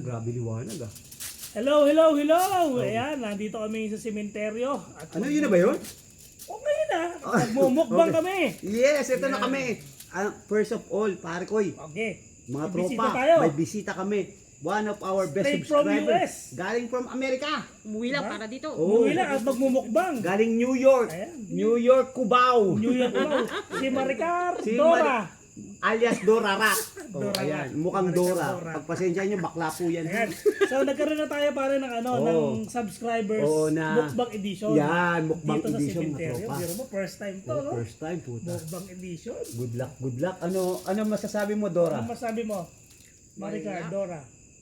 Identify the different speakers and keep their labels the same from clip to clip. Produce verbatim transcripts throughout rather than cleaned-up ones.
Speaker 1: grabe liwanag ah.
Speaker 2: Hello, hello, hello! Ayan, nandito kami sa sementeryo. At
Speaker 1: Ano yun na ba yun?
Speaker 2: O ngayon na, nagmumukbang
Speaker 1: Okay.
Speaker 2: kami.
Speaker 1: Yes, ito na
Speaker 2: Yan.
Speaker 1: kami. Ah, first of all, pare koy,
Speaker 2: Okay.
Speaker 1: mga
Speaker 2: May bisita
Speaker 1: tropa,
Speaker 2: tayo.
Speaker 1: may bisita kami. One of our best
Speaker 2: Straight from
Speaker 1: subscribers.
Speaker 2: U S.
Speaker 1: Galing from America.
Speaker 3: Umuwi lang
Speaker 2: Diba?
Speaker 3: para dito.
Speaker 1: Oh.
Speaker 2: Umuwi lang at magmumukbang.
Speaker 1: Galing New York.
Speaker 2: Ayan.
Speaker 1: New York, Cubao.
Speaker 2: New York Cubao. Si Maricar
Speaker 1: Si
Speaker 2: Dora.
Speaker 1: Alias Dora Rat. Oh,
Speaker 2: Dora
Speaker 1: ayan,
Speaker 2: Rat.
Speaker 1: mukhang
Speaker 2: Maricar
Speaker 1: Dora.
Speaker 2: Dora.
Speaker 1: Pagpasensya nyo, bakla po yan.
Speaker 2: Ayan. So nagkaroon na tayo pare ng ano,
Speaker 1: Oo.
Speaker 2: ng subscribers
Speaker 1: Oo, na-
Speaker 2: mukbang edition.
Speaker 1: Yan, mukbang
Speaker 2: dito
Speaker 1: edition,
Speaker 2: sa
Speaker 1: mga
Speaker 2: sementeryo.
Speaker 1: tropa.
Speaker 2: Biro mo, first time to,
Speaker 1: Oh,
Speaker 2: no?
Speaker 1: first time, puta.
Speaker 2: Mukbang edition.
Speaker 1: Good luck, good luck. Ano ano masasabi mo, Dora?
Speaker 2: Ano masabi mo? Maricar
Speaker 3: Wala.
Speaker 2: Dora.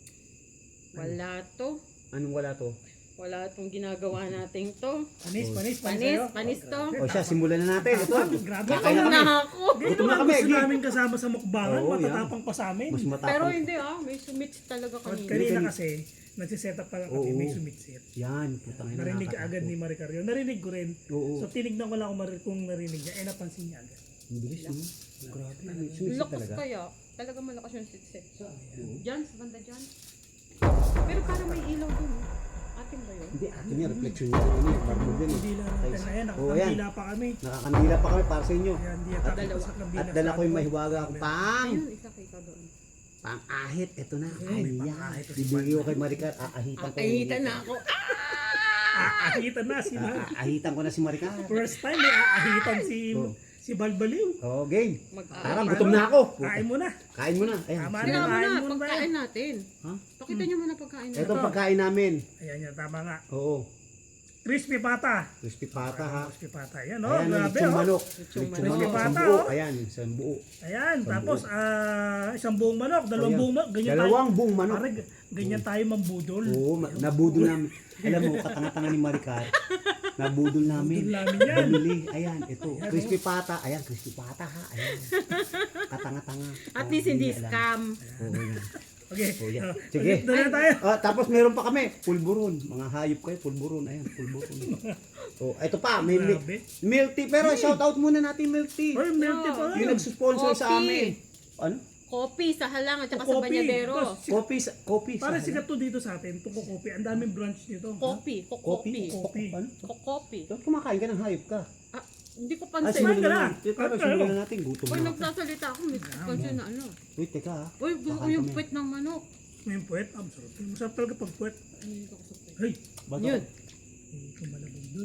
Speaker 3: Wala to.
Speaker 1: Anong wala to?
Speaker 3: Wala tong ginagawa nating to.
Speaker 2: Panis, panis, panis
Speaker 3: Panis,
Speaker 2: sa'yo.
Speaker 3: panis to.
Speaker 1: O siya, simulan na natin. Ito.
Speaker 2: Grabe.
Speaker 1: Kakain na
Speaker 3: Gutom
Speaker 1: kami.
Speaker 3: na ako.
Speaker 2: Dito
Speaker 1: Gutom na
Speaker 2: na
Speaker 1: kami,
Speaker 2: gusto
Speaker 1: Gig.
Speaker 2: namin kasama sa mukbangan,
Speaker 1: Oo,
Speaker 2: matatapang pa sa amin.
Speaker 1: Mas
Speaker 3: Pero
Speaker 1: matapang.
Speaker 3: hindi ah, may sumits talaga
Speaker 2: At
Speaker 3: kanina.
Speaker 2: kanina kasi, nagsiset up pa lang kami,
Speaker 1: Oo.
Speaker 2: may sumitsit.
Speaker 1: Yan, putang ina.
Speaker 2: Narinig
Speaker 1: nakakatakot.
Speaker 2: agad ni Maricar yun. Narinig ko rin.
Speaker 1: Oo.
Speaker 2: So tinignan ko lang kung, mari- kung narinig niya. Eh napansin niya agad.
Speaker 1: Ang bilis, no? Grabe, sumisit
Speaker 3: Lakas
Speaker 1: talaga.
Speaker 3: kaya. Talaga malakas yung sitset. Diyan, sa banda dyan. Pero parang may ilaw dun. oh. Atin ba yun?
Speaker 1: Hindi, ato niya, reflection niya. Ano yun, parang yun. eh.
Speaker 2: Hindi lang natin. Ayan,
Speaker 1: Oo, yan.
Speaker 2: nakakandila pa kami.
Speaker 1: Nakakandila pa kami para sa inyo.
Speaker 2: Ayan, di
Speaker 1: At-
Speaker 2: at
Speaker 3: dalawa.
Speaker 2: sa kandila.
Speaker 1: At dala ko yung mahiwaga ko pang.
Speaker 3: Ayun, isa kita doon.
Speaker 1: Pang ahit, ito na.
Speaker 2: Ay,
Speaker 1: Ay,
Speaker 2: may
Speaker 1: yan.
Speaker 2: pang-ahit to si
Speaker 1: Bibigay ko kay Maricar, aahitan ko.
Speaker 3: Akahitan na ako.
Speaker 2: Aahitan na si Mar.
Speaker 1: Aahitan ko na si Maricar.
Speaker 2: First time may aahitan si
Speaker 1: Oo.
Speaker 2: si Balbaliw.
Speaker 1: Oh, game.
Speaker 3: Mag-aaral.
Speaker 1: Parang gutom na ako.
Speaker 2: Kain mo na.
Speaker 1: Kain mo na. Ayan.
Speaker 2: Tama
Speaker 1: sige.
Speaker 2: na.
Speaker 3: Tingnan mo
Speaker 2: Kain
Speaker 3: na,
Speaker 2: muna ba
Speaker 3: pagkain natin.
Speaker 1: Ha?
Speaker 3: Pakita nyo muna pagkain natin.
Speaker 1: Ito ang pagkain namin.
Speaker 2: Ayan yan, tama nga.
Speaker 1: Oo.
Speaker 2: Crispy pata.
Speaker 1: Crispy pata ha.
Speaker 2: Crispy pata. Ayan, oh,
Speaker 1: Ayan,
Speaker 2: grabe,
Speaker 1: lechong
Speaker 2: oh.
Speaker 1: manok.
Speaker 3: Lechong
Speaker 1: Lechong
Speaker 3: manok.
Speaker 1: manok. Isang
Speaker 2: Pata,
Speaker 1: buo.
Speaker 2: oh.
Speaker 1: Ayan, isang buo.
Speaker 2: Ayan,
Speaker 1: Isang
Speaker 2: tapos
Speaker 1: buo.
Speaker 2: ah isang buong manok, dalawang
Speaker 1: Ayan.
Speaker 2: buong manok, ganyan
Speaker 1: Dalawang
Speaker 2: tayo.
Speaker 1: buong manok.
Speaker 2: Pare, ganyan tayo mambudol.
Speaker 1: Oo, ma- nabudol namin. Alam mo, katanga-tanga ni Maricar. Nabudol namin.
Speaker 2: Budol namin yan.
Speaker 1: Bumili. Ayan, ito. Crispy pata. Ayan, crispy pata ha. Ayan. Katanga-tanga.
Speaker 3: At
Speaker 1: Oh,
Speaker 3: least hindi
Speaker 1: alam.
Speaker 3: scam.
Speaker 1: Oo, yan.
Speaker 2: Okay.
Speaker 1: Oh, yan.
Speaker 2: oh,
Speaker 1: Sige.
Speaker 2: Doon na tayo.
Speaker 1: Ah, tapos meron pa kami, pulburon. Mga hayop kayo, pulburon. Ayan, pulburon. Oh, ito pa, may mi-
Speaker 2: Grabe.
Speaker 1: milk tea. Pero shout out muna natin milk tea.
Speaker 2: Oy, milk tea pa.
Speaker 1: Yung nagsusponsor sa
Speaker 3: Coffee.
Speaker 1: amin. Ano?
Speaker 3: Kopi sa halang at saka
Speaker 2: Oh,
Speaker 3: sa
Speaker 2: coffee.
Speaker 3: banyadero.
Speaker 2: Tapos,
Speaker 1: Kopi sa kopi sa.
Speaker 2: Para sikat to dito sa atin, itong kopi. Ang daming branch nito.
Speaker 3: Kopi,
Speaker 1: Kopi.
Speaker 3: kokopi.
Speaker 2: Kopi.
Speaker 1: Ano?
Speaker 3: Kokopi.
Speaker 1: Ba't kumakain ka ng hayop ka?
Speaker 3: Ah, hindi ko
Speaker 1: Ah,
Speaker 3: pansin.
Speaker 1: simulan
Speaker 2: ka
Speaker 1: na.
Speaker 2: na.
Speaker 1: Teka,
Speaker 2: Ano?
Speaker 1: simulan na natin. Gutom
Speaker 3: Uy,
Speaker 1: na ako.
Speaker 3: nagsasalita ako. May pansin na ano.
Speaker 1: Wait, teka ha.
Speaker 3: Uy, gusto ko
Speaker 1: Kakain
Speaker 3: yung
Speaker 1: kami.
Speaker 3: puwet ng manok.
Speaker 2: May puwet. Ah, masarap. Masarap talaga pag puwet.
Speaker 3: Ay, hindi ko sa puwet.
Speaker 2: Hey,
Speaker 1: Ba't
Speaker 3: Yun.
Speaker 1: ako?
Speaker 2: hindi ko malabog dun.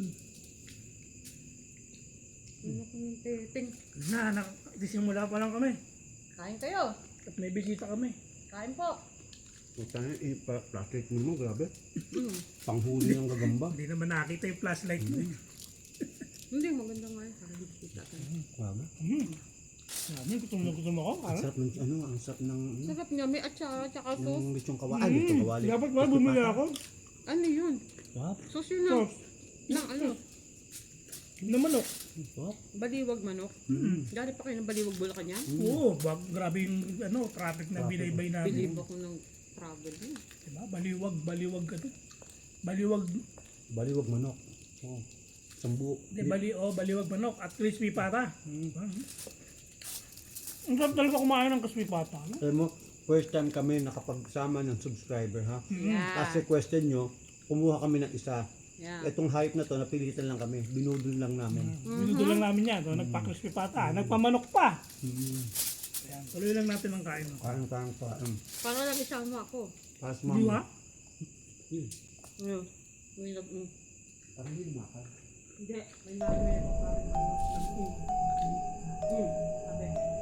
Speaker 3: Ano ko yung titing?
Speaker 2: Na, nakasimula pa lang kami.
Speaker 3: Kain kayo.
Speaker 2: At may bisita kami.
Speaker 3: Kain po.
Speaker 1: Puta na, eh, pa- plastic mo mo, grabe.
Speaker 3: Mm.
Speaker 1: Panghuli ng gagamba.
Speaker 2: Hindi naman nakita yung flashlight mo. eh.
Speaker 3: Hindi, maganda nga yun. Para hindi kita ka.
Speaker 1: Grabe.
Speaker 2: Hmm. Sabi, gutom na gutom ako.
Speaker 1: Ang
Speaker 2: Ah.
Speaker 1: sarap ng, ano, ang sarap ng, ano,
Speaker 3: Sarap niya. May atsara at saka sauce.
Speaker 1: ng lechong kawali. Ah, lechong kawali.
Speaker 2: Hmm. Dapat ba
Speaker 1: Crispy
Speaker 2: bumili
Speaker 1: pata.
Speaker 2: ako?
Speaker 3: Ano yun?
Speaker 1: Sarap.
Speaker 3: Sauce yun na.
Speaker 2: Sauce.
Speaker 3: Ng ano?
Speaker 2: Na manok.
Speaker 1: Sarap.
Speaker 3: Baliwag manok.
Speaker 1: Mm.
Speaker 3: Galing pa kayo ng baliwag Bulacan yan?
Speaker 2: Oo, bag, grabe yung ano, traffic na
Speaker 1: Traffic.
Speaker 2: binaybay namin.
Speaker 3: Believe ako ng travel yun.
Speaker 2: Diba? Baliwag, baliwag ano? Baliwag,
Speaker 1: Baliwag manok. Oh. Isang buo.
Speaker 2: di, bali, oh, baliwag manok at crispy pata.
Speaker 1: Mm.
Speaker 2: Ah. Ang sarap talaga kumain ng crispy pata. No?
Speaker 1: Alam mo, first time kami nakapagsama ng subscriber ha.
Speaker 3: Yeah.
Speaker 1: Kasi question nyo, kumuha kami ng isa.
Speaker 3: Yeah.
Speaker 1: Itong hype na to, napilitan lang kami. Binudol lang namin.
Speaker 2: Binudo lang namin yan. No? Nagpa-crispy pata. Nagpamanok pa.
Speaker 1: Mm.
Speaker 2: Ayan, tuloy lang natin ang kain. No?
Speaker 1: Parang parang pa. Um,
Speaker 3: Para lang isama ako.
Speaker 1: para sa
Speaker 2: Di ba?
Speaker 1: mama. Yun.
Speaker 3: Ayun. May lab- mm.
Speaker 1: Parang hindi maka.
Speaker 3: Hindi. May namin ako parang ano. Hmm. Sabi.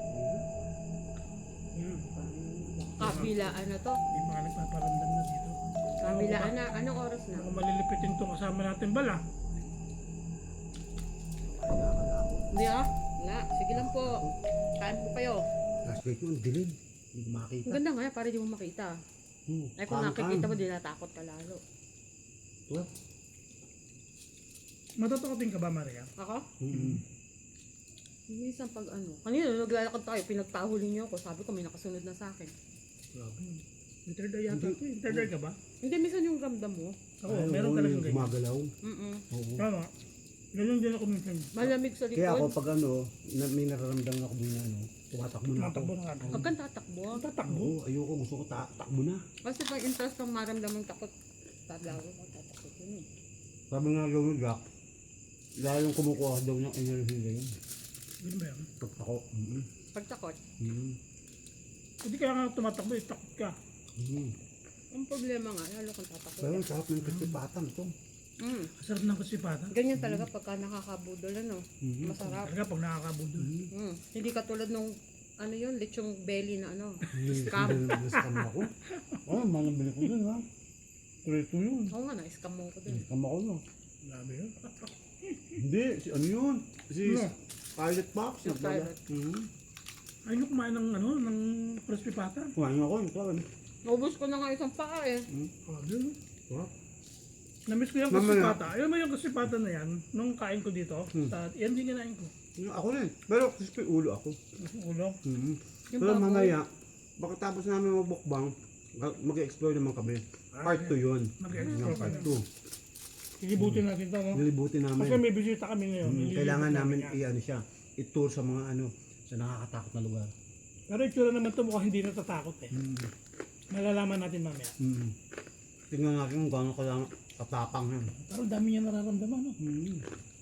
Speaker 2: Hmm.
Speaker 3: Kabilaan na to.
Speaker 2: May mga nagpaparamdam na dito.
Speaker 3: Kabilaan na. Anong oras na?
Speaker 2: Baka malilipitin itong kasama natin bala.
Speaker 3: Hindi ah. Wala. Sige lang po. Kain po kayo.
Speaker 1: Last week yun, dilim. Hindi ko makakita.
Speaker 3: Ang ganda nga para di mo makita.
Speaker 1: Hmm.
Speaker 3: Ay kung nakikita mo, di natakot ka lalo.
Speaker 1: Well,
Speaker 2: Matutukotin ka ba, Maria?
Speaker 3: Ako?
Speaker 1: mm.
Speaker 3: Minsan pag ano. Kanina naglalakad tayo, pinagpahuli niyo ako. Sabi ko may nakasunod na sa akin.
Speaker 1: Grabe.
Speaker 2: May third eye yata ito. May third eye ka ba?
Speaker 3: Hindi, minsan yung ramdam mo.
Speaker 2: Ako,
Speaker 1: Ay,
Speaker 2: meron
Speaker 1: oo,
Speaker 2: talagang
Speaker 1: yung
Speaker 2: ganyan.
Speaker 1: gumagalaw.
Speaker 3: Mm-mm.
Speaker 1: Oo.
Speaker 2: Tama. Ganyan din ako minsan.
Speaker 3: Malamig sa
Speaker 1: Kaya ako
Speaker 3: likod.
Speaker 1: pag ano, na, may nararamdaman ako din na ano, Tumatakbo na ako.
Speaker 2: Tumatakbo na nga.
Speaker 3: Huwag kang tatakbo.
Speaker 2: Tatakbo.
Speaker 1: Oo, ayoko. Gusto ko ta takbo na.
Speaker 3: Kasi pag interest kang maramdamang takot, tadlago ka, tatakot yun eh.
Speaker 1: Sabi nga gawin Jack, dahil yung kumukuha daw ng energy na yun.
Speaker 2: Yun ba yan?
Speaker 1: Takot ako. Mm
Speaker 3: Pag takot,
Speaker 1: -hmm.
Speaker 2: Hindi kaya nga tumatakbo, eh, takot ka.
Speaker 1: Mm -hmm.
Speaker 3: ang problema nga, lalo kang tatakot.
Speaker 1: Pero ang sarap ng crispy patan ito.
Speaker 3: Mm.
Speaker 2: Masarap ng kusipatan.
Speaker 3: Ganyan talaga pagka nakakabudol, ano,
Speaker 1: Mhm.
Speaker 3: masarap.
Speaker 2: Talaga pag nakakabudol.
Speaker 1: Mm
Speaker 3: Mm. Hindi katulad nung, ano yun, lechong belly na ano.
Speaker 1: Scam. Scam ako. Oh, manabili ko dun ha. Preto yun.
Speaker 3: Oo nga, na-scam mo ko dun.
Speaker 1: Scam ako no.
Speaker 2: Grabe yun.
Speaker 1: Hindi, si ano yun? Si
Speaker 2: Ano?
Speaker 1: Pilot Pox.
Speaker 3: Si Pilot.
Speaker 1: Mhm.
Speaker 2: Ay, nyo kumain ng ano, ng kusipatan.
Speaker 1: Kumain ako. Ito. ano?
Speaker 3: Naubos ko na nga isang paa eh.
Speaker 1: Mm.
Speaker 2: Grabe yun.
Speaker 1: Sarap.
Speaker 2: Namiss ko yung
Speaker 1: Mamaya.
Speaker 2: kusipata. Ayun mo yung kusipatan na yan, nung kain ko dito,
Speaker 1: Hmm.
Speaker 2: sa, yan din kinain ko.
Speaker 1: Yung Ako rin. Pero crispy ulo ako.
Speaker 2: Yung ulo.
Speaker 1: Mhm.
Speaker 3: Yung
Speaker 1: Pero
Speaker 3: baboy.
Speaker 1: mamaya, pagkatapos namin magbukbang, mag-explore naman kami. Part two yun.
Speaker 2: Mag-explore
Speaker 1: Yung part
Speaker 2: kami.
Speaker 1: two.
Speaker 2: Ikibutin natin to, no?
Speaker 1: Nilibutin
Speaker 2: Kasi
Speaker 1: namin.
Speaker 2: may bisita kami ngayon.
Speaker 1: Mm,
Speaker 2: nililibot
Speaker 1: kailangan namin
Speaker 2: yan.
Speaker 1: i-ano siya, i-tour sa mga ano, sa nakakatakot na lugar.
Speaker 2: Pero itsura naman to mukhang hindi natatakot eh.
Speaker 1: Mm.
Speaker 2: Malalaman natin mamaya.
Speaker 1: Mm. Tingnan natin kung gaano ka lang katapang yan.
Speaker 2: Pero dami niya nararamdaman, no?
Speaker 1: Mm.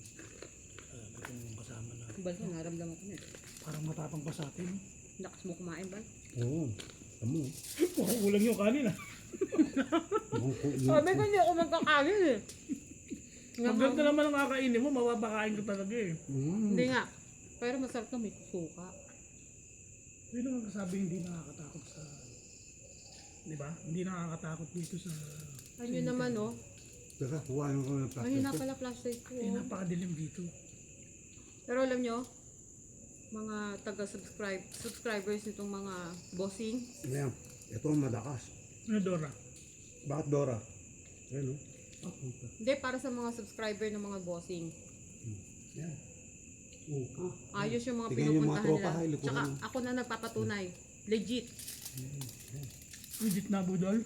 Speaker 2: Uh, yung kasama na.
Speaker 3: Bal ko, naramdaman ko na eh.
Speaker 2: Parang matapang pa sa atin.
Speaker 3: Lakas mo kumain, Bal.
Speaker 1: Oo. Tamo.
Speaker 2: Mukhang kulang yung kanin ah.
Speaker 3: Sabi ko hindi ako magkakain eh. Nga
Speaker 2: Pag
Speaker 3: nga-
Speaker 2: ganda naman ang kakainin mo, mababakain ka talaga eh.
Speaker 1: Mm.
Speaker 3: Hindi nga. Pero masarap na may suka.
Speaker 2: Sino ang sabi hindi nakakatakot sa... Di ba? Hindi nakakatakot dito sa...
Speaker 3: Ano naman oh.
Speaker 1: Teka, kuhain ko ng
Speaker 3: Mahina
Speaker 1: plastic.
Speaker 3: pala flashlight ko.
Speaker 2: Eh,
Speaker 3: oh.
Speaker 2: napakadilim dito.
Speaker 3: Pero alam nyo, mga taga-subscribe, subscribers nitong mga bossing,
Speaker 1: Ayan. Ito ang madakas.
Speaker 2: Ano, Dora?
Speaker 1: Bakit Dora? Ayan o. Ah, puta.
Speaker 3: hindi para sa mga subscriber ng mga bossing.
Speaker 1: Yan. Oo. Ah.
Speaker 3: Ayos yung mga
Speaker 1: Tingnan yung mga
Speaker 3: pinupuntahan
Speaker 1: tropa,
Speaker 3: nila.
Speaker 1: hay, likuran
Speaker 3: Tsaka
Speaker 1: mo.
Speaker 3: ako na nagpapatunay. Legit.
Speaker 2: Legit na budol.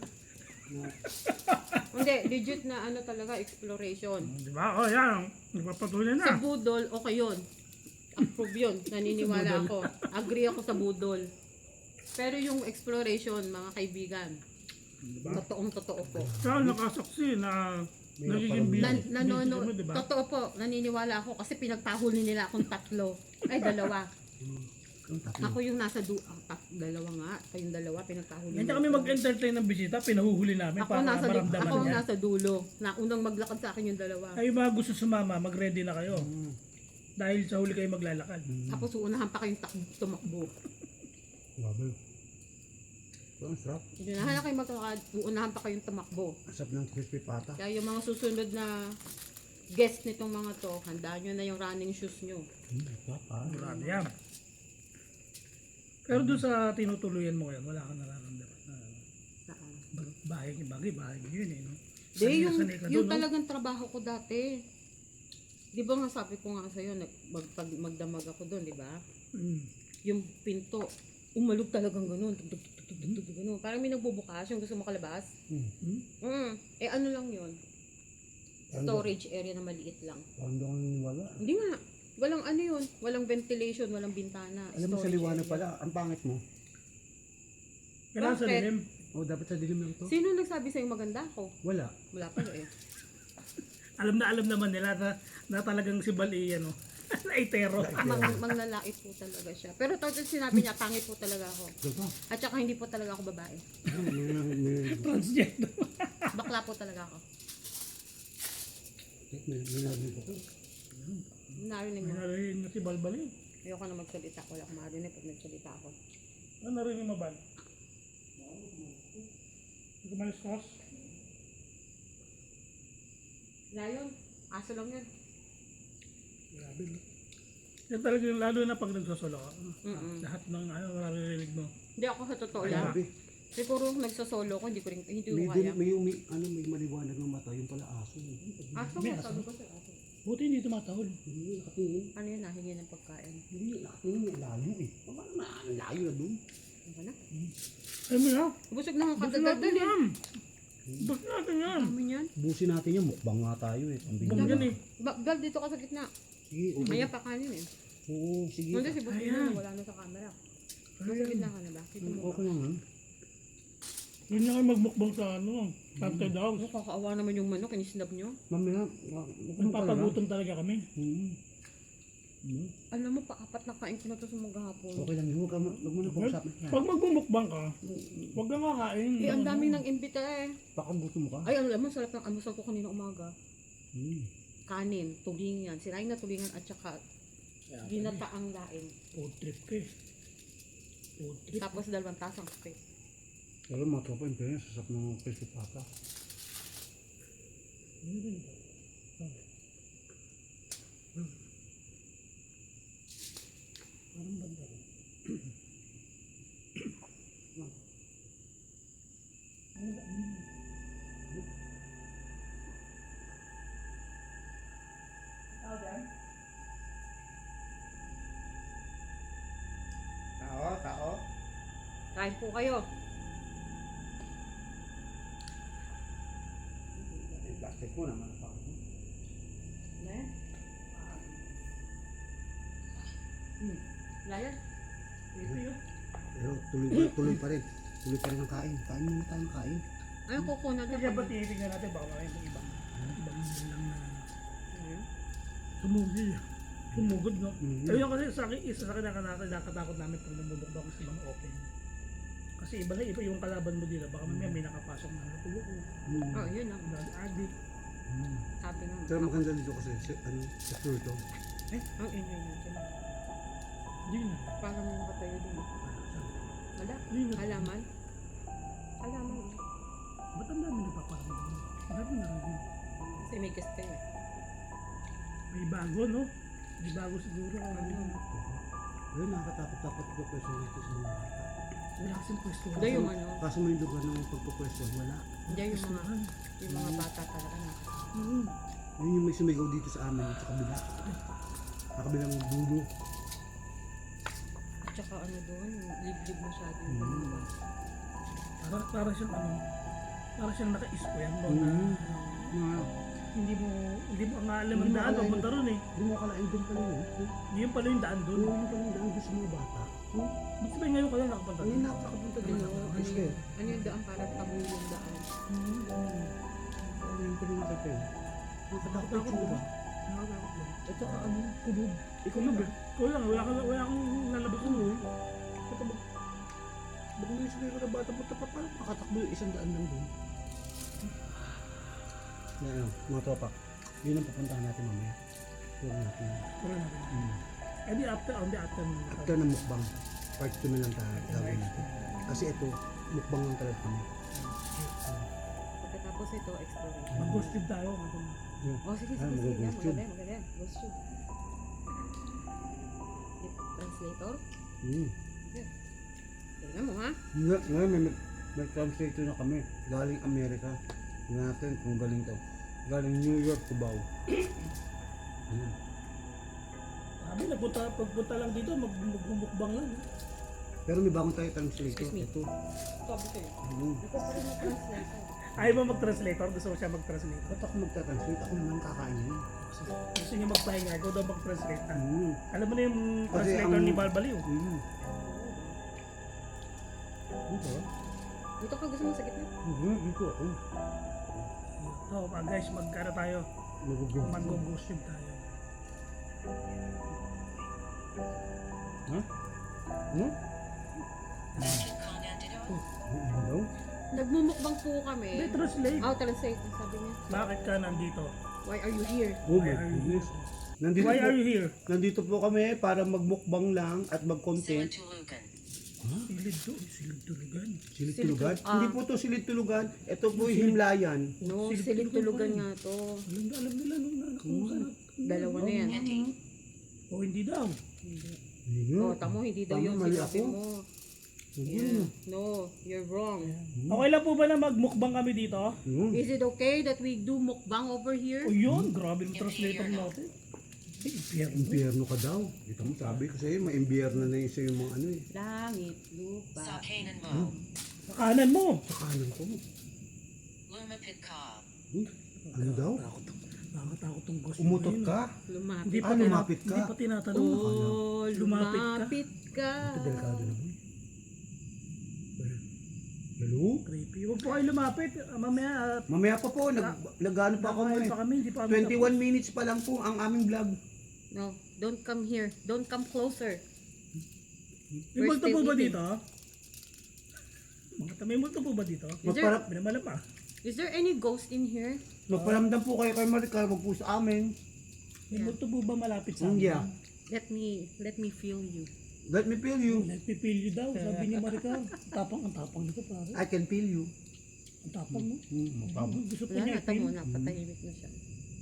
Speaker 3: Hindi, legit na ano talaga, exploration.
Speaker 2: Di ba? O, yan. Nagpapatuloy
Speaker 3: Sa
Speaker 2: na.
Speaker 3: budol, okay yun. Approve yun. Naniniwala ako. Agree ako sa budol. Pero yung exploration, mga kaibigan, totoong totoo po.
Speaker 2: Saka nakasaksi na
Speaker 1: May
Speaker 2: nagiging
Speaker 1: naparami.
Speaker 2: busy.
Speaker 3: Nan,
Speaker 2: busy
Speaker 3: nanono,
Speaker 2: kami, di ba?
Speaker 3: totoo po, naniniwala ako kasi pinagtahuli nila akong tatlo. Ay, dalawa.
Speaker 1: Ang tatlo.
Speaker 3: Ako yung nasa du ah, tat, dalawa nga. Kayong dalawa, pinagtahuli
Speaker 2: Hindi
Speaker 3: nila
Speaker 2: kami
Speaker 3: ako.
Speaker 2: mag-entertain ng bisita, pinahuhuli namin
Speaker 3: Ako
Speaker 2: para
Speaker 3: nasa, du-
Speaker 2: maramdaman
Speaker 3: ako
Speaker 2: niya.
Speaker 3: nasa dulo. Na unang maglakad sa akin yung dalawa.
Speaker 2: Kayo ba gusto sumama, mag-ready na kayo.
Speaker 1: Mm.
Speaker 2: Dahil sa huli kayo maglalakad.
Speaker 3: Tapos uunahan pa kayong tak- tumakbo.
Speaker 1: Grabe. Ito ang sarap.
Speaker 3: Uunahan na kayong maglalakad, uunahan pa kayong tumakbo.
Speaker 1: Ang sarap ng crispy pata.
Speaker 3: Kaya yung mga susunod na guest nitong mga to, handaan nyo na yung running shoes nyo.
Speaker 1: Mm, sarap ah.
Speaker 2: Grabe yan. Pero doon sa tinutuluyan mo ngayon, wala kang nararamdaman na
Speaker 3: Saan?
Speaker 2: bag- bahay, bagay, bahay yun eh. No?
Speaker 3: Di,
Speaker 2: Sanay na
Speaker 3: yung,
Speaker 2: sanay ka
Speaker 3: yung
Speaker 2: doon, no?
Speaker 3: talagang trabaho ko dati. Di ba nga sabi ko nga sa'yo, nag, mag, pag magdamag ako doon, di ba?
Speaker 2: Mm.
Speaker 3: Yung pinto, umalog talagang ganun. Tug, tug, tug, tug, tug, tug, ganun. Parang may nagbubukas, yung gusto makalabas.
Speaker 1: Mm.
Speaker 2: Hmm?
Speaker 3: Mm. Eh ano lang yun?
Speaker 1: Ano?
Speaker 3: Storage area na maliit lang.
Speaker 1: Parang doon ang wala.
Speaker 3: Hindi nga. Walang ano yun. Walang ventilation, walang bintana.
Speaker 1: Alam mo sa
Speaker 3: Storage
Speaker 1: liwanag
Speaker 3: area.
Speaker 1: pala, ang pangit mo.
Speaker 2: Kailangan sa
Speaker 3: Bakit?
Speaker 2: dilim.
Speaker 1: Oh, dapat sa dilim lang to.
Speaker 3: Sino nagsabi sa'yo maganda ako?
Speaker 1: Wala.
Speaker 3: Wala pala eh.
Speaker 2: Alam na alam naman nila na, na talagang si Bali, ano, laitero.
Speaker 3: Mang, manglalait po talaga siya. Pero total sinabi niya, pangit po talaga ako.
Speaker 1: Diba?
Speaker 3: At saka hindi po talaga ako babae.
Speaker 1: May, may, may,
Speaker 2: Transgender.
Speaker 3: Bakla po talaga ako.
Speaker 1: may, may narinig ko.
Speaker 3: Narinig
Speaker 2: May
Speaker 3: mo.
Speaker 2: narinig na si Balbali.
Speaker 3: Ayoko na magsalita. Wala akong marinig pag nagsalita ako.
Speaker 2: Ano narinig mo, Bal? Hindi malis kos?
Speaker 3: Lion, aso lang yun.
Speaker 2: Grabe, no? Yan talaga yung lalo na pag nagsasolo ka.
Speaker 3: Mm-mm.
Speaker 2: Lahat ng ano, maririnig mo.
Speaker 3: Hindi ako sa totoo lang.
Speaker 1: Grabe.
Speaker 3: Siguro nagsosolo ko, hindi ko rin, hindi
Speaker 1: May,
Speaker 3: ko
Speaker 1: din,
Speaker 3: kaya.
Speaker 1: may, may, ano, may maliwanag ng mata. Yung pala aso.
Speaker 3: Aso
Speaker 2: May
Speaker 3: mo,
Speaker 2: aso.
Speaker 3: sabi ko sa aso.
Speaker 2: Buti hindi tumatahol.
Speaker 1: Hindi, nakatingin.
Speaker 3: Ano yun, nahingi ng pagkain.
Speaker 1: Hindi, nakatingin. Layo eh. Paano na? Ang layo na doon.
Speaker 3: Ano ba na?
Speaker 2: Alam mo na?
Speaker 3: Busog na akong
Speaker 2: Bus natin
Speaker 3: kadadal eh.
Speaker 2: yan! Bus natin yan!
Speaker 3: Dami niyan.
Speaker 1: Busin natin yan. Mukbang nga tayo eh. Pambigyan
Speaker 2: Bum yan
Speaker 1: na.
Speaker 2: eh.
Speaker 3: Ba- Bal, dito ka sa gitna.
Speaker 1: Sige, okay.
Speaker 3: Maya pa kanin eh.
Speaker 1: Oo, sige.
Speaker 3: Nandun si Busog
Speaker 2: Ayan.
Speaker 3: na, wala na sa camera.
Speaker 1: Okay naman.
Speaker 2: Yun lang ang magmukbang sa ano, Tante Dogs.
Speaker 3: Nakakaawa naman yung manok, inisnab nyo.
Speaker 1: Mamaya, wa- wa-
Speaker 2: Nagpapagutom talaga kami.
Speaker 1: Hmm. Hmm.
Speaker 3: Alam mo, pa-apat na kain ko na to sa maghapon.
Speaker 1: Okay lang, huwag ka ma- huwag mo na pag-usapan yan.
Speaker 2: Pag magmumukbang ka, huwag kang kakain.
Speaker 3: Eh, ang daming nang imbita eh.
Speaker 1: Baka gusto mo ka.
Speaker 3: Ay, alam mo, sarap ng almusal ko kanina umaga.
Speaker 1: Hmm.
Speaker 3: Kanin, tulingan, sirain na tulingan at saka ginataang laing.
Speaker 2: Food trip ka eh. Food trip.
Speaker 3: Tapos dalawang tasang kape.
Speaker 1: Pero mga tropa, yung pera, sasap ng crispy pata.
Speaker 2: Parang banda rin.
Speaker 1: Tao, tao.
Speaker 3: Kain po kayo.
Speaker 1: Yung plastic mo naman.
Speaker 3: Ne? Hmm. Layan.
Speaker 2: Ito yun.
Speaker 1: Pero tuloy pa, tuloy pa rin. Tuloy pa rin ang kain. Kain muna tayo ng kain.
Speaker 3: Ay, kuko na
Speaker 2: Kaya ba tinitingnan natin baka makayang kung ibang ibang lang na
Speaker 3: Hmm.
Speaker 2: sumugil. Sumugod, no?
Speaker 1: Mhm.
Speaker 2: Ayun kasi sa akin, isa sa akin nakaka- nakakatakot namin pag namumukbang ko sa mga open. Kasi iba na iba yung kalaban mo dito. Baka mamaya may nakapasok na natulog ko.
Speaker 1: Hmm.
Speaker 3: Oh, yun lang.
Speaker 2: Drug addict.
Speaker 1: Hmm.
Speaker 3: Sabi nga.
Speaker 1: Pero maganda dito kasi, si, ano, secure to.
Speaker 3: Ang ingay natin.
Speaker 2: Hindi na.
Speaker 3: Parang may nakatayo din. Wala.
Speaker 2: Hindi na.
Speaker 3: Halaman. Halaman. eh.
Speaker 2: Ba't ang dami nagpaparamdam? Ang dami na rin.
Speaker 3: Kasi may guest kayo eh.
Speaker 2: May bago, no? May bago siguro. Ano?
Speaker 1: Pero nakakatakot-takot ko pwesto dito sa mga bata.
Speaker 2: Wala kasing pwesto.
Speaker 3: Hindi yung ano.
Speaker 1: Kaso may lugar ng pagpupwesto, wala.
Speaker 3: Hindi yung mga, yung mga bata talaga na.
Speaker 2: Hmm.
Speaker 1: Yun yung may sumigaw dito sa amin, sa kabila. Sa kabilang dulo.
Speaker 3: At saka ano doon, liblib masyado yung
Speaker 1: Mm.
Speaker 3: pangalawa.
Speaker 2: Para, para siyang ano, para siyang naka-square, no? Na,
Speaker 1: Mm. Nga,
Speaker 2: hindi mo, hindi mo ang alam
Speaker 1: Hindi
Speaker 2: ang
Speaker 1: mo
Speaker 2: daan,
Speaker 1: akalain.
Speaker 2: papunta ron eh.
Speaker 1: hindi mo akalain doon pala yun.
Speaker 2: Hindi yung pala yung daan doon.
Speaker 1: Doon pala yung daan doon sa mga bata. Hmm?
Speaker 2: Ba't ba ngayon ka lang nakapunta
Speaker 1: Ngayon
Speaker 2: doon?
Speaker 1: na ako nakapunta
Speaker 3: Ano,
Speaker 1: doon.
Speaker 3: ano,
Speaker 1: Yes,
Speaker 3: yung,
Speaker 1: sir.
Speaker 3: ano yung daan para tabu yung daan.
Speaker 1: Hmm. Ano yung pala nakita yun? Nakatakot yung tsura.
Speaker 2: Nakatakot lang.
Speaker 1: At saka ano, kulog.
Speaker 2: Ikaw lang, eh. Ikaw lang, wala kang, wala kang lalabas mo eh.
Speaker 1: Baka ba? Baka may sumigaw na bata mo tapat parang makatakbo yung isang daan lang doon. Ngayon, mga tropa. Yun ang pupuntahan natin mamaya. Tour natin.
Speaker 2: Wala natin.
Speaker 1: Hmm.
Speaker 2: Eh di after, oh, di after. mo.
Speaker 1: After ng mukbang, part two na lang tayo gagawin natin. Kasi ito, mukbang lang talaga kami.
Speaker 3: Pagkatapos ito, exploration.
Speaker 2: Mag-ghost trip tayo. mag-
Speaker 3: Oh, sige,
Speaker 1: Ah,
Speaker 3: sige, sige. Yan,
Speaker 1: mag-ghost tube.
Speaker 3: maganda yan, maganda yan. Ghost tube. Deep translator.
Speaker 1: Hmm.
Speaker 3: Tingnan mo, ha?
Speaker 1: Nga- Ngayon, may, may translator na kami. Galing Amerika. Tingnan natin kung galing to. Galing New York, Cubao. Hmm.
Speaker 2: Sabi, nagpunta, pagpunta lang dito, mag, magmumukbang lang. eh.
Speaker 1: Pero may bagong tayo translator.
Speaker 3: Excuse me.
Speaker 1: Ito.
Speaker 3: Sabi ko yun.
Speaker 1: Hmm.
Speaker 3: Ito pa rin yung translator.
Speaker 2: Ayaw mo mag-translator? Gusto mo siya mag-translator?
Speaker 1: Ba't ako magta-translate? Ako naman kakain yun.
Speaker 2: Gusto niya magpahinga, ikaw daw mag-translate. Ah.
Speaker 1: Hmm.
Speaker 2: Alam mo na yung
Speaker 1: Kasi
Speaker 2: translator
Speaker 1: ang-
Speaker 2: ni Balbaliw.
Speaker 1: Hmm. Dito?
Speaker 3: Dito ka gusto mo sa gitna?
Speaker 1: Hmm. Dito ako.
Speaker 2: So, ah, guys, magkano tayo?
Speaker 1: Mag-ghost.
Speaker 2: Mag-ghost trip tayo.
Speaker 1: Ha? Hmm? Ano daw?
Speaker 3: Nagmumukbang po kami.
Speaker 2: Hindi, translate.
Speaker 3: Oh, translate. Sabi niya.
Speaker 2: Bakit ka nandito?
Speaker 3: Why are you here?
Speaker 1: Oh
Speaker 2: Why
Speaker 1: my
Speaker 2: are you
Speaker 1: goodness. Nandito
Speaker 2: Why
Speaker 1: po,
Speaker 2: are you here?
Speaker 1: nandito po kami para magmukbang lang at mag-content.
Speaker 2: Silid to, silid tulugan.
Speaker 1: Silid
Speaker 3: Silid
Speaker 1: tulugan?
Speaker 3: tul- ah.
Speaker 1: Hindi po to silid tulugan. Ito po yung himlayan.
Speaker 3: No,
Speaker 2: Silid
Speaker 3: silid
Speaker 2: tulugan
Speaker 3: tulugan
Speaker 2: pa
Speaker 3: nga to.
Speaker 2: Alam na, alam nila nung anak ko masarap.
Speaker 3: Dalawa na yan.
Speaker 2: O hindi daw.
Speaker 1: Hindi.
Speaker 3: Oh, tamo, hindi daw
Speaker 1: Tama,
Speaker 3: yung
Speaker 1: mali
Speaker 3: sinabi
Speaker 1: ako.
Speaker 3: mo.
Speaker 1: Hindi.
Speaker 3: Yeah. No, you're wrong.
Speaker 2: Okay lang po ba na magmukbang kami dito?
Speaker 1: Yun.
Speaker 3: Is it okay that we do mukbang over here?
Speaker 2: O yun, grabe yung translator natin. Ay, impyerno.
Speaker 1: Impyerno ka daw. Ito mo sabi ko sa'yo, may impyerno na yun sa'yo mga ano eh.
Speaker 3: Langit, lupa.
Speaker 4: Sa Canaan mo,
Speaker 2: Sa kanan mo.
Speaker 1: Sa kanan ko.
Speaker 4: lumapit ka.
Speaker 1: Hmm? Ano daw?
Speaker 2: Nakakatakot tong ghost.
Speaker 1: Umutot
Speaker 2: mo yun.
Speaker 1: ka?
Speaker 3: Lumapit.
Speaker 2: Hindi pa,
Speaker 1: Ah,
Speaker 2: tina-
Speaker 1: lumapit ka?
Speaker 2: Hindi pa tinatanong.
Speaker 3: Oh,
Speaker 2: Lumapit ka?
Speaker 3: lumapit ka.
Speaker 1: Ito delikado naman. Hello?
Speaker 2: Creepy. Huwag po kayo lumapit. Ah, mamaya, uh,
Speaker 1: Mamaya pa po, nag, nag-ano pa ako
Speaker 2: nakain
Speaker 1: eh.
Speaker 2: pa kami. Hindi pa kami
Speaker 1: twenty-one minutes pa lang po ang aming vlog.
Speaker 3: No, don't come here. Don't come closer.
Speaker 2: tapos. May
Speaker 3: We're
Speaker 2: multo
Speaker 3: still
Speaker 2: po ba
Speaker 3: eating.
Speaker 2: dito? Mga may multo po ba dito?
Speaker 3: Is there,
Speaker 1: Magparap,
Speaker 2: Binamala pa.
Speaker 3: is there any ghost in here?
Speaker 1: magparamdam po kayo kay Maricar, wag po sa amin.
Speaker 2: May multo po ba malapit sa
Speaker 1: Mm,
Speaker 2: amin?
Speaker 1: yeah.
Speaker 3: Let me, let me feel you.
Speaker 1: Let me feel you.
Speaker 2: Nagpipil you daw, sabi ni Maricar. Ang tapang, ang tapang nito pare.
Speaker 1: I can feel you.
Speaker 2: Ang tapang mo.
Speaker 1: Hmm, tama.
Speaker 2: Gusto po
Speaker 3: Wala
Speaker 2: niya
Speaker 3: na, tamo
Speaker 2: i-feel.
Speaker 3: na. Patahimik na siya.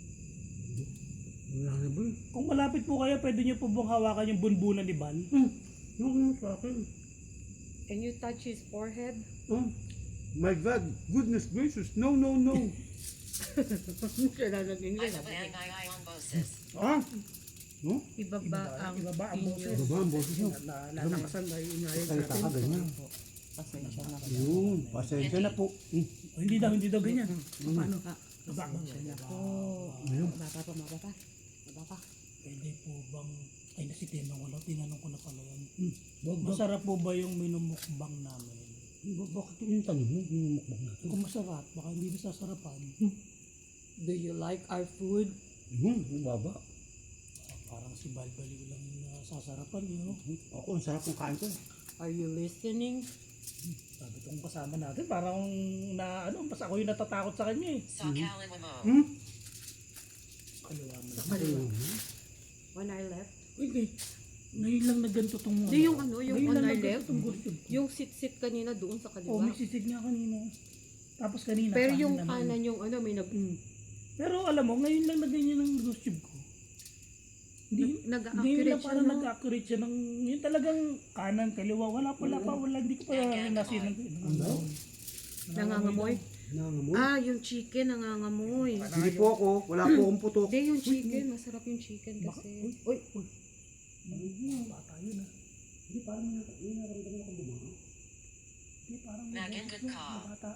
Speaker 1: Wala na ba?
Speaker 2: Kung malapit po kayo, pwede niyo po bang hawakan yung bunbunan ni Bal?
Speaker 1: Hmm. Yung sa akin.
Speaker 3: Can you touch his forehead?
Speaker 1: Oh. My God, goodness gracious. No, no, no.
Speaker 3: Siya na naging
Speaker 4: I I I on boses.
Speaker 1: ah? No?
Speaker 3: Ibaba ang
Speaker 2: Ibaba ang boses.
Speaker 1: Ibaba ang boses mo.
Speaker 2: Na natakasan na inaayos
Speaker 1: Salita ka
Speaker 2: natin.
Speaker 1: ganyan.
Speaker 3: Pasensya na.
Speaker 1: Yun, pasensya na po. Hmm.
Speaker 2: Oh, hindi daw, hindi daw ganyan. Paano? Baba mo.
Speaker 3: Oh,
Speaker 1: Ayun.
Speaker 3: mababa pa, mababa pa. Mababa pa.
Speaker 2: Pwede po bang, ay nasi tinanong ko lang, tinanong ko na pala yan.
Speaker 1: Hmm. Wag, wag.
Speaker 2: Masarap po ba yung minumukbang namin?
Speaker 1: Ba- Bakit yung tanong mo? Yung mukbang natin.
Speaker 2: Kung masarap, baka hindi nasasarapan.
Speaker 3: Do you like our food?
Speaker 1: Yun, ang baba.
Speaker 2: Ah, parang si Balbaliw lang yung nasasarapan, yun. know?
Speaker 1: Ako, ang sarap ng kain ko.
Speaker 3: Are you listening?
Speaker 2: Sabi itong kasama natin, parang na, ano, mas ako yung natatakot sa kanya eh.
Speaker 4: Saw Cal and Wamo.
Speaker 1: Hmm?
Speaker 2: Kaliwa mo
Speaker 3: Sa
Speaker 2: lang.
Speaker 3: kaliwa. When I left?
Speaker 2: Uy, eh, ngayon lang na ganito tong
Speaker 3: Di yung ano, yung
Speaker 2: ngayon
Speaker 3: on
Speaker 2: lang
Speaker 3: our
Speaker 2: na ganito
Speaker 3: left?
Speaker 2: tong gulsyon.
Speaker 3: Yung sit-sit kanina doon sa
Speaker 2: Oh,
Speaker 3: kaliwa.
Speaker 2: may sisig nga kanina. Tapos kanina.
Speaker 3: Pero
Speaker 2: kanin
Speaker 3: yung
Speaker 2: naman.
Speaker 3: kanan yung ano, may nag...
Speaker 2: Mm. Pero alam mo, ngayon lang na ganyan ang ghost tube ko. Hindi, ngayon
Speaker 3: Nag-accurate
Speaker 2: lang
Speaker 3: siya,
Speaker 2: parang
Speaker 3: no?
Speaker 2: nag-accurate siya ng, yun talagang kanan, kaliwa, wala pala pa, wala, hindi ko pa nasin ng,
Speaker 1: Ano?
Speaker 3: Nangangamoy?
Speaker 1: Nangamoy?
Speaker 3: Ah, yung chicken nangangamoy.
Speaker 1: Hindi po ako, wala po akong putok.
Speaker 3: Hindi, yung chicken. Masarap yung chicken kasi. Uy,
Speaker 2: Bata yun ah.
Speaker 1: Hindi, parang may naramdaman ako bumaha.
Speaker 2: Hindi, parang
Speaker 4: Mag and good call.
Speaker 2: bata.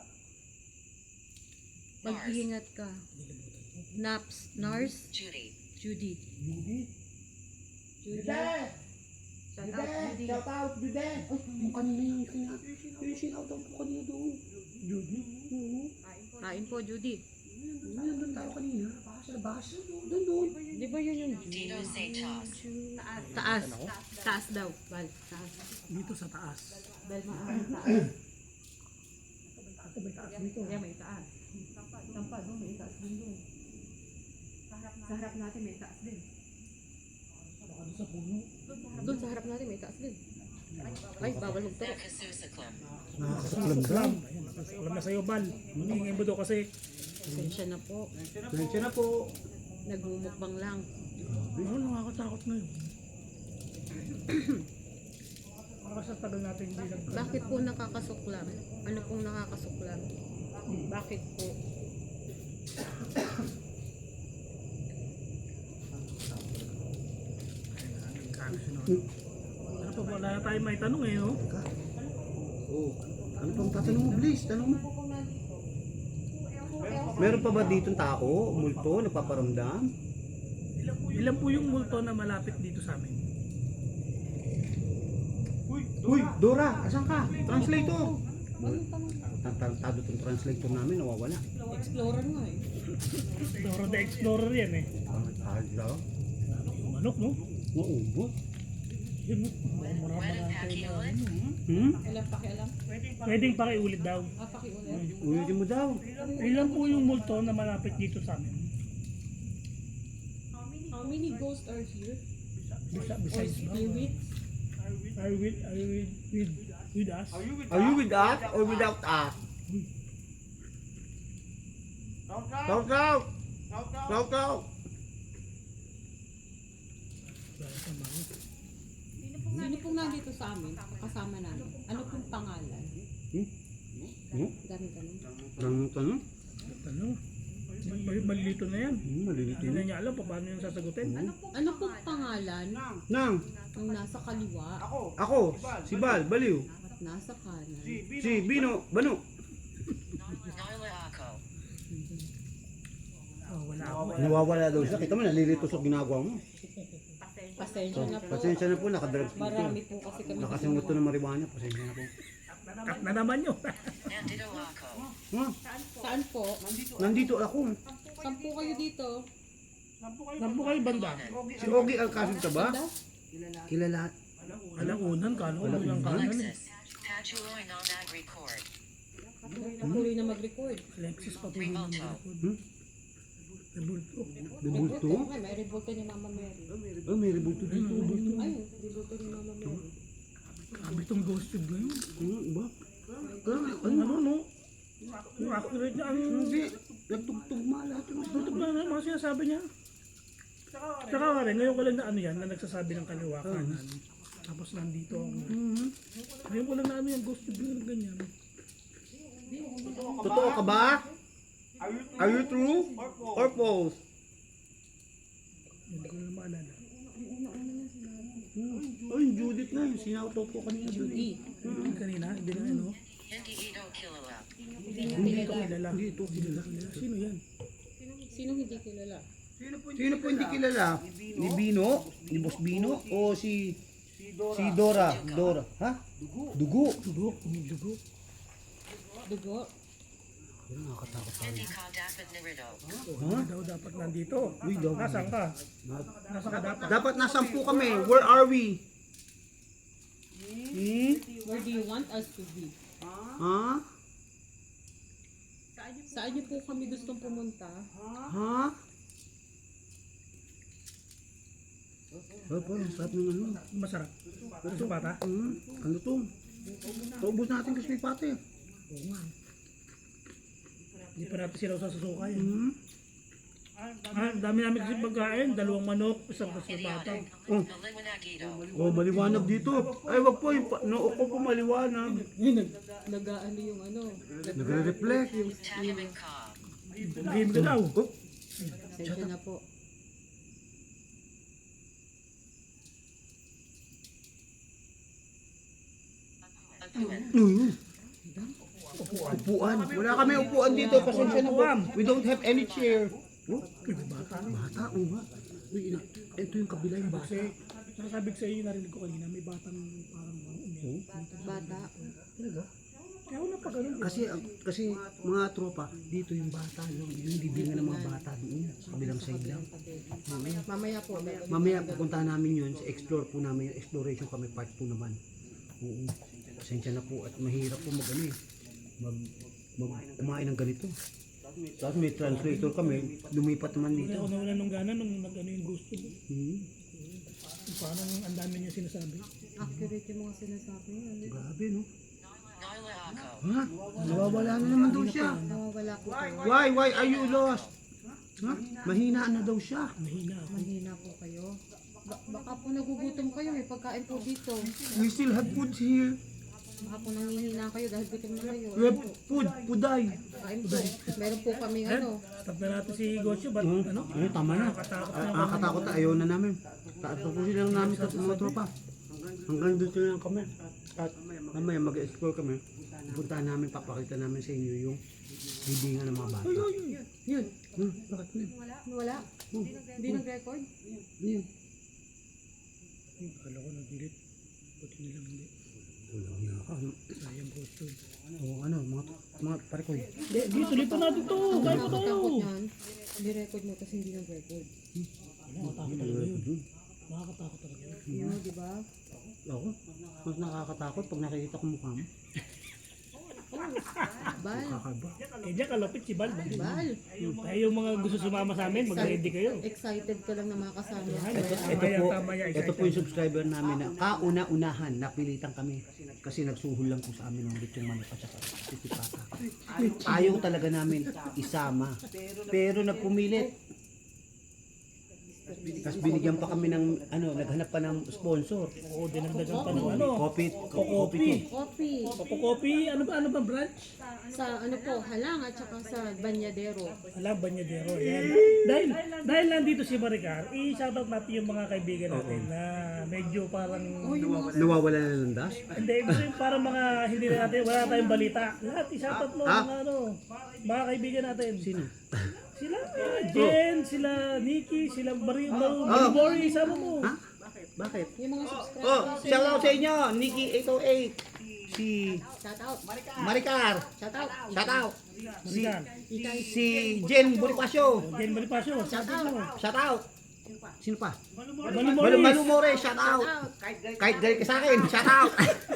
Speaker 3: mag-iingat ka. Naps, Nars,
Speaker 4: Judy.
Speaker 3: Judy.
Speaker 1: Hindi.
Speaker 3: Judy. Shout out, Judy.
Speaker 1: Shout out, Jude! Ay, yung kanina yung kina... Yung sinaw daw po kanina doon.
Speaker 2: Judy.
Speaker 1: Oo.
Speaker 3: Kain po, Judy.
Speaker 1: Ayun, nandun tayo kanina. Baka sa labas. Doon, doon.
Speaker 3: Di ba yun yung Judy?
Speaker 4: Dino say toss.
Speaker 3: Taas. Taas daw. Bal, taas.
Speaker 2: Dito sa taas.
Speaker 3: Bal, maaaring taas.
Speaker 2: Ito may taas dito.
Speaker 3: Kaya may taas. Tampa doon, may taas din doon. Sa harap natin may taas din.
Speaker 2: Baka doon sa puno.
Speaker 3: Doon sa harap natin may taas din. Ay, bawal magturo.
Speaker 4: Nakasusaklum.
Speaker 1: Nakakasaklam daw.
Speaker 2: Alam. Ayun, alam na sa'yo, Bal. Hingin mo daw kasi.
Speaker 3: Pasensya na po.
Speaker 1: Tensya na po.
Speaker 3: Nagmumukbang lang.
Speaker 2: Ano, nakakatakot na yun. Para sa tagal natin hindi nag...
Speaker 3: Bakit po nakakasuklam? Ano pong nakakasuklam? Bakit po?
Speaker 2: Ano pa, wala na tayo may tanong eh, no?
Speaker 1: Oo. Ano pang tatanong mo, please? Tanong mo. Meron pa ba ditong tao, multo, nagpaparamdam?
Speaker 2: Ilan po yung multo na malapit dito sa amin?
Speaker 1: Uy, Dora, asan ka? Translator! Tarantado tong translator namin, nawawala.
Speaker 3: Explorer nga eh.
Speaker 2: Dora the Explorer yan eh.
Speaker 1: Tarantado daw.
Speaker 2: Yung manok, no?
Speaker 1: Nauubos.
Speaker 2: Yun, no? Marama
Speaker 4: When
Speaker 2: na
Speaker 4: is
Speaker 2: tayo
Speaker 4: Paki
Speaker 2: na
Speaker 4: ulit?
Speaker 2: ano, hmm?
Speaker 1: Hmm?
Speaker 3: Ilang pakialam?
Speaker 2: Pwedeng pakiulit daw.
Speaker 3: Ah, pakiulit.
Speaker 1: Ulitin mo daw.
Speaker 2: Ilan po yung multo na malapit dito sa amin?
Speaker 3: How many ghosts are here?
Speaker 2: Bisa,
Speaker 3: Or
Speaker 2: besides ba?
Speaker 3: spirits?
Speaker 2: Are you with, are you with, with, with us?
Speaker 1: Are you with us or without us? Shout out! Shout out!
Speaker 3: Sino pong nandito sa amin? Kasama namin. Ano pong pangalan?
Speaker 1: Hmm? Hmm?
Speaker 3: Dami tanong.
Speaker 1: Tanong tanong?
Speaker 2: Ano? Mal- mal- Malilito na yan.
Speaker 1: Hmm, malilito
Speaker 2: Hindi na
Speaker 1: yun.
Speaker 2: niya alam pa paano yung sasagutin.
Speaker 3: Ano pong pangalan
Speaker 1: Nang,
Speaker 3: ng nasa kaliwa
Speaker 1: ako, si Bal, Baliw,
Speaker 3: at nasa kanan?
Speaker 1: si Bino, Bano.
Speaker 4: Nyla ako.
Speaker 2: Oh, wala ako.
Speaker 1: Nawawala daw siya. Kita mo, nalilito sa ginagawa mo.
Speaker 3: Pasensya na po.
Speaker 1: Pasensya na po, nakadrugs po.
Speaker 3: Marami po kasi kami.
Speaker 1: Nakasungot to ng marijuana, pasensya na po.
Speaker 2: Cut na naman yun.
Speaker 4: Nandito ako.
Speaker 1: Ha?
Speaker 3: Saan po?
Speaker 1: Nandito ako.
Speaker 3: Sampu kayo dito.
Speaker 2: Sampu kayo banda.
Speaker 1: Si Ogie Alcacid ka ba?
Speaker 3: Banda?
Speaker 1: Kilala.
Speaker 2: Alam unan ka, no? Unan ka.
Speaker 4: Alexis. Patuloy na nag-record.
Speaker 3: Patuloy na mag-record.
Speaker 2: Alexis patuloy na mag-record.
Speaker 1: Hmm?
Speaker 2: Rebulto.
Speaker 1: Rebulto?
Speaker 3: Ay, may rebulto ni Mama Mary.
Speaker 1: Oh, may rebulto dito. Rebulto.
Speaker 3: Ay, rebulto ni Mama Mary.
Speaker 2: Sabi itong ghost tube ngayon.
Speaker 1: Hmm, ba? Ah,
Speaker 2: Ang ano, no? Yung accurate niya, ang
Speaker 1: Hindi. Nagtugtugma lahat yung
Speaker 2: tutok na na mga sinasabi niya. Tsaka ka rin, ngayon ko lang na ano yan, na nagsasabi ng kaliwakanan. Tapos nandito ako.
Speaker 1: Mhm.
Speaker 2: Ngayon ko lang na ano yan, ghost tube yung ganyan.
Speaker 1: Totoo ka ba? Are you true? Or false?
Speaker 2: Hindi ko na maalala.
Speaker 1: Hmm. Oh, yung Judith na yun. Sinauto ko kanina Judith.
Speaker 2: Yung kanina, hindi na ano.
Speaker 4: Hindi ito kilala.
Speaker 3: Hindi niya
Speaker 2: Hindi ko
Speaker 3: kilala.
Speaker 2: kilala. Hindi ito kilala. Sino yan?
Speaker 3: Sino hindi kilala?
Speaker 1: Sino po hindi kilala? Ni Bino? Ni Boss Bino? O si... Si Dora? Dora. Ha? Dugo.
Speaker 2: Dugo. Yung dugo.
Speaker 3: Dugo?
Speaker 1: Nakakatakot tayo.
Speaker 4: Hindi ka dapat narito.
Speaker 1: Ha?
Speaker 2: Daw dapat nandito.
Speaker 1: Uy, daw.
Speaker 2: Nasaan ka? Nasaan ka dapat?
Speaker 1: Dapat nasampu kami. Where are we? Hmm?
Speaker 3: Where do you want us to be?
Speaker 1: Ha?
Speaker 3: Saan niyo po kami gustong pumunta?
Speaker 1: Ha? Oh, parang sarap ng ano.
Speaker 2: Masarap. Gusto pa ta?
Speaker 1: Hmm? Ano to? Paubos natin kasi may pate.
Speaker 2: Oo nga. Hindi pa natin sila sasusuka yan.
Speaker 1: Hmm?
Speaker 2: Ah, ang dami namin kasi pagkain. Dalawang manok, isang kasipata.
Speaker 1: Oh.
Speaker 4: Naliwanagito.
Speaker 1: Oh, maliwanag dito. Ay, wag po. Yung pa- noo ko po maliwanag.
Speaker 3: Nag-aano yung ano?
Speaker 1: Nagre-reflect.
Speaker 4: Tahimik ka.
Speaker 2: Game ka daw.
Speaker 1: Oh,
Speaker 3: Sensya na po.
Speaker 4: Upuan.
Speaker 1: mm. Upuan. Wala kami upuan dito. Pasensya na po. We don't have any chair. Oh,
Speaker 2: Bata.
Speaker 1: bata. Oo nga. Uy, ina. Ito yung kabila yung bata.
Speaker 2: Kasi, sabi ko sa iyo, narinig ko kanina, may batang parang umiyak.
Speaker 3: Bata.
Speaker 1: Talaga?
Speaker 2: Kaya wala pa ganun.
Speaker 1: Kasi, ang- kasi mga tropa, dito yung bata. Yung, yung bibingan ng mga bata doon. Sa kabilang side lang.
Speaker 3: Mamaya po. meron-
Speaker 1: Mamaya pupunta namin yun. Sa explore po namin. Yung exploration kami part two naman. Oo. Pasensya na po. At mahirap po mag ano eh. Mag, mag kumain ng ganito. Tapos may translator kami. Lumipat naman
Speaker 2: Kaya
Speaker 1: dito.
Speaker 2: ako nawala nung gana nung nag-ano yung gusto.
Speaker 1: Hmm.
Speaker 2: Paano ang dami niya sinasabi.
Speaker 3: Accurate yung mga sinasabi niya. ano?
Speaker 1: Grabe no.
Speaker 4: Naila ako.
Speaker 1: Ha? Nawawala na naman daw siya.
Speaker 3: Nawawala po kayo.
Speaker 1: Why? Why are you lost? Ha? Mahina na daw siya.
Speaker 2: Mahina ako.
Speaker 3: Mahina po kayo. Ba- baka po nagugutom kayo. May pagkain po dito.
Speaker 1: We still have food here.
Speaker 3: Baka po nangihina kayo dahil gutom na kayo.
Speaker 1: We have food. Puday.
Speaker 3: Kain po. Meron po kaming ano.
Speaker 2: Stop na natin si Gosyo. Ba't
Speaker 1: Hmm?
Speaker 2: ano?
Speaker 1: Eh, tama na.
Speaker 2: Nakatakot
Speaker 1: Ah,
Speaker 2: na
Speaker 1: ah, katakot na. Ayaw na namin. Tapusin lang namin sa mga tropa. Hanggang dito lang kami. At mamaya mag-explore kami. Pupuntahan namin, papakita namin sa inyo yung bibingan ng mga bata.
Speaker 3: Yun.
Speaker 1: Hmm, bakit na?
Speaker 3: Wala.
Speaker 1: Hmm,
Speaker 3: Hindi nag-record.
Speaker 1: yun.
Speaker 2: Akala ko nag-delete. Buti nilang hindi.
Speaker 1: Walang niya ka. ano?
Speaker 2: Sayang gusto.
Speaker 1: Oo, ano, mga, mga pare ko eh.
Speaker 2: Hindi, di, tuloy pa natin to. Kaya pa tayo.
Speaker 3: Nakakatakot yan. Hindi-record mo kasi hindi nag-record.
Speaker 2: Nakakatakot talaga yun. Nakakatakot talaga yun.
Speaker 3: Yun, di ba?
Speaker 1: Ako, mas nakakatakot pag nakikita ko mukha mo.
Speaker 3: Bal.
Speaker 1: Kakaba.
Speaker 2: Eh, diyan kalapit si Bal.
Speaker 3: Bal.
Speaker 2: Tayo yung mga gusto sumama sa amin, mag-ready kayo.
Speaker 3: Excited ka lang na makasama.
Speaker 1: Ito, ito
Speaker 2: Tamaya,
Speaker 1: po,
Speaker 2: tamaya,
Speaker 1: ito po yung subscriber namin na kauna-unahan, napilitan kami. Kasi nagsuhol lang po sa amin ng lechong manok at saka sisipata. Ayaw talaga namin isama. Pero nagpumilit. Tapos binigyan pa kami ng, ano, naghanap pa ng sponsor.
Speaker 2: Oo, dinagdagan pa ng ano.
Speaker 1: Coffee,
Speaker 2: Kokopi.
Speaker 1: coffee.
Speaker 3: Coffee.
Speaker 2: Kokopi, ano ba, ano ba branch?
Speaker 3: Sa ano po, halang at saka sa banyadero.
Speaker 2: Alam, Banyadero. Yan. Dahil, dahil nandito si Maricar, i-shoutout natin yung mga kaibigan natin na medyo parang,
Speaker 1: Nawawala na ng das.
Speaker 2: hindi, ibig yung parang mga hindi na natin, wala tayong balita. Lahat, i-shoutout mo,
Speaker 1: Ah?
Speaker 2: mga ano, mga kaibigan natin.
Speaker 1: Sino?
Speaker 2: Sila, ah, Jen, sila Nikki, sila Mario, Mario, Mario Mori, sama mo.
Speaker 1: Ha? Bakit?
Speaker 3: Yung mga subscribers.
Speaker 1: Oh, shout out sa inyo, Nikki eight oh eight. si
Speaker 3: Shout out.
Speaker 1: Maricar.
Speaker 3: Shout out.
Speaker 1: Shout out. Si,
Speaker 2: Maricar.
Speaker 1: si Jen Bonifacio.
Speaker 2: Jen Bonifacio, shout out mo.
Speaker 1: Shout out. Sino pa?
Speaker 2: Malu
Speaker 1: Malu
Speaker 2: Morris.
Speaker 1: Malumore, shout out. Kahit galit ka sa akin, shout out.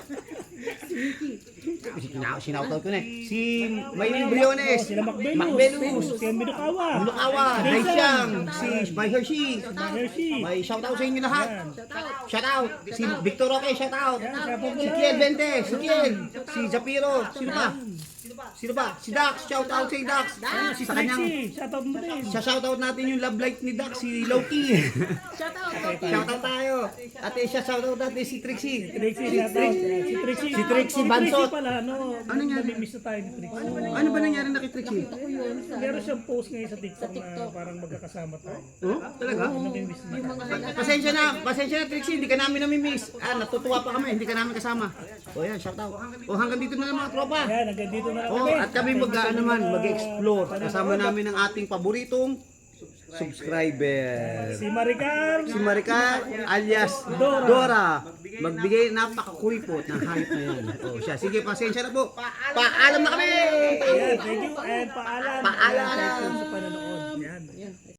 Speaker 1: Sina- Sinoutout ko na eh. Si Maylin Briones.
Speaker 2: Sila Macbelus.
Speaker 1: Macbelus.
Speaker 2: Si Minukawa.
Speaker 1: Bunukawa, Daisyang, si My Hershey.
Speaker 2: Hershey.
Speaker 1: May shout out sa inyo lahat.
Speaker 2: Yan.
Speaker 1: Shout out. Si Victor Roque, shout out.
Speaker 2: Yan, shout out
Speaker 1: Si
Speaker 2: mo
Speaker 1: Kiel
Speaker 2: yan.
Speaker 1: Vente, si Kiel. Si Japiro. Sino pa? Sino ba? Si Dax, shout out sa Dax. Ano, si sa kanyang
Speaker 2: Trixie, shout out mo din.
Speaker 1: sa shoutout natin yung love life ni Dax, si Loki.
Speaker 3: Shout out. Loki.
Speaker 1: Shoutout tayo. At siya shoutout natin si Trixie.
Speaker 2: Trixie, shout out. Si Trixie.
Speaker 1: Si Trixie
Speaker 2: Si
Speaker 1: Bansot.
Speaker 2: pala, ano,
Speaker 1: Ano niya?
Speaker 2: namimiss na tayo ni Trixie.
Speaker 1: Ano ba nangyari na kay Trixie?
Speaker 3: Ako yun sa
Speaker 2: Meron siyang post ngayon sa TikTok,
Speaker 3: Sa TikTok.
Speaker 2: na parang magkakasama tayo.
Speaker 1: Oh, talaga?
Speaker 2: Namimiss na.
Speaker 3: yung mga highlights.
Speaker 1: Pasensya na, pasensya na Trixie, hindi ka namin namimiss. Ah, natutuwa pa kami, hindi ka namin kasama. O yan, shoutout. O hanggang dito na lang mga tropa.
Speaker 2: Yan, hanggang dito na lang
Speaker 1: Oh,
Speaker 2: kami.
Speaker 1: at kami mag naman, mag-explore. Kasama namin ang ating paboritong subscriber.
Speaker 2: Si Maricar.
Speaker 1: Si Maricar alias Dora. Magbigay napakakuripot ng hype na yan. O siya, sige, pasensya na po. Paalam na kami!
Speaker 2: Yan, thank you and paalam.
Speaker 1: Paalam.
Speaker 2: Thank you sa panonood. Yan.
Speaker 3: Yan.